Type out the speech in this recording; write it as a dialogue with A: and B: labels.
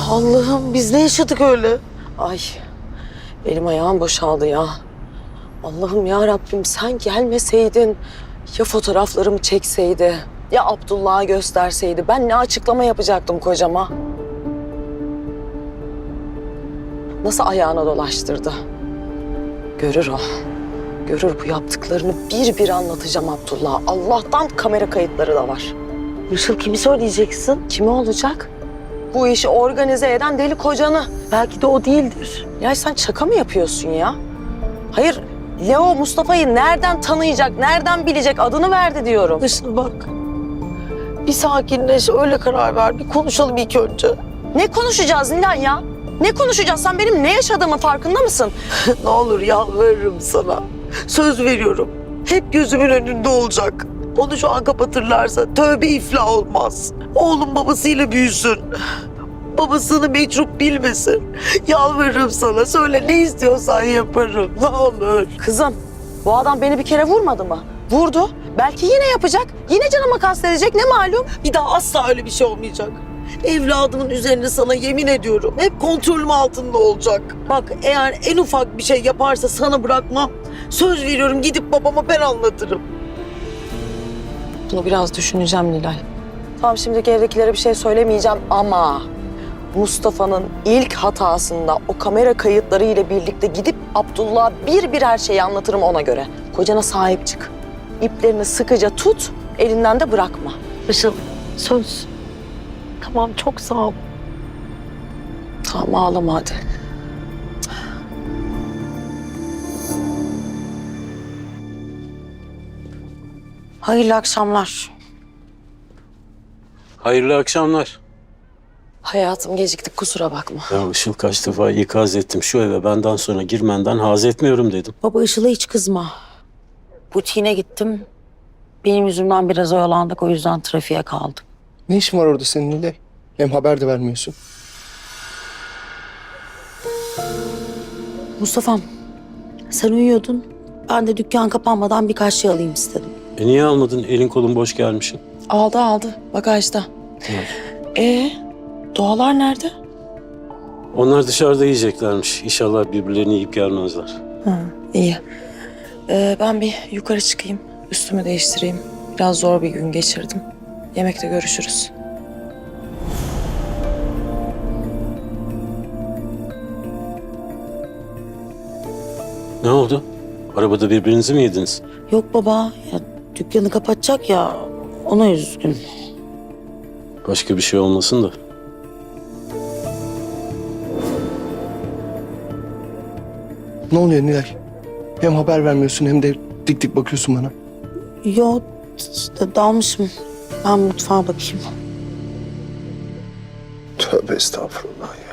A: Allah'ım biz ne yaşadık öyle?
B: Ay, elim ayağım boşaldı ya. Allah'ım ya Rabbim sen gelmeseydin, ya fotoğraflarımı çekseydi, ya Abdullah'a gösterseydi, ben ne açıklama yapacaktım kocama? Nasıl ayağına dolaştırdı? Görür o. Görür, bu yaptıklarını bir bir anlatacağım Abdullah'a. Allah'tan kamera kayıtları da var.
A: Işıl kimi söyleyeceksin?
B: Kimi olacak? Bu işi organize eden deli kocanı.
A: Belki de o değildir.
B: Ya sen şaka mı yapıyorsun ya? Hayır, Leo Mustafa'yı nereden tanıyacak, nereden bilecek, adını verdi diyorum.
A: Işıl bak. Bir sakinleş, öyle karar ver. Bir konuşalım ilk önce.
B: Ne konuşacağız Nilay ya? Ne konuşacağız? Sen benim ne yaşadığımın farkında mısın?
A: Ne olur yalvarırım sana. Söz veriyorum. Hep gözümün önünde olacak. Onu şu an kapatırlarsa tövbe iflah olmaz. Oğlum babasıyla büyüsün. Babasını mecrup bilmesin. Yalvarırım sana. Söyle ne istiyorsan yaparım. Ne olur.
B: Kızım, bu adam beni bir kere vurmadı mı? Vurdu. Belki yine yapacak. Yine canıma kastedecek, ne malum?
A: Bir daha asla öyle bir şey olmayacak. Evladımın üzerine sana yemin ediyorum. Hep kontrolüm altında olacak. Bak eğer en ufak bir şey yaparsa sana bırakmam. Söz veriyorum gidip babama ben anlatırım.
B: Bunu biraz düşüneceğim Nilay. Tamam, şimdiki evdekilere bir şey söylemeyeceğim ama Mustafa'nın ilk hatasında o kamera kayıtları ile birlikte gidip Abdullah'a bir bir her şeyi anlatırım ona göre. Kocana sahip çık. İplerini sıkıca tut, elinden de bırakma.
A: Işıl söz. Tamam çok sağ ol.
B: Tamam, ağlama hadi. Hayırlı akşamlar.
C: Hayırlı akşamlar.
B: Hayatım, geciktik, kusura bakma.
C: Ya Işıl, kaç defa ikaz ettim. Şu eve benden sonra girmenden haz etmiyorum dedim.
D: Baba Işıl'a hiç kızma. Butiğine gittim. Benim yüzümden biraz oyalandık, o yüzden trafiğe kaldım.
E: Ne işin var orada senin Nilay? Hem haber de vermiyorsun.
D: Mustafa'm, sen uyuyordun. Ben de dükkan kapanmadan birkaç şey alayım istedim.
C: Niye almadın? Elin kolun boş gelmişsin.
B: Aldı, bagajda. Doğalar nerede?
C: Onlar dışarıda yiyeceklermiş. İnşallah birbirlerini yiyip gelmezler.
B: İyi. Ben bir yukarı çıkayım, üstümü değiştireyim. Biraz zor bir gün geçirdim. Yemekte görüşürüz.
C: Ne oldu? Arabada birbirinizi mi yediniz?
D: Yok baba, ya dükkanı kapatacak ya, ona üzgün.
C: Başka bir şey olmasın da.
E: Ne oluyor Nilay? Hem haber vermiyorsun hem de dik dik bakıyorsun bana.
D: Yok, işte dalmışım. Ben mutfağa bakayım.
E: Tövbe estağfurullah ya.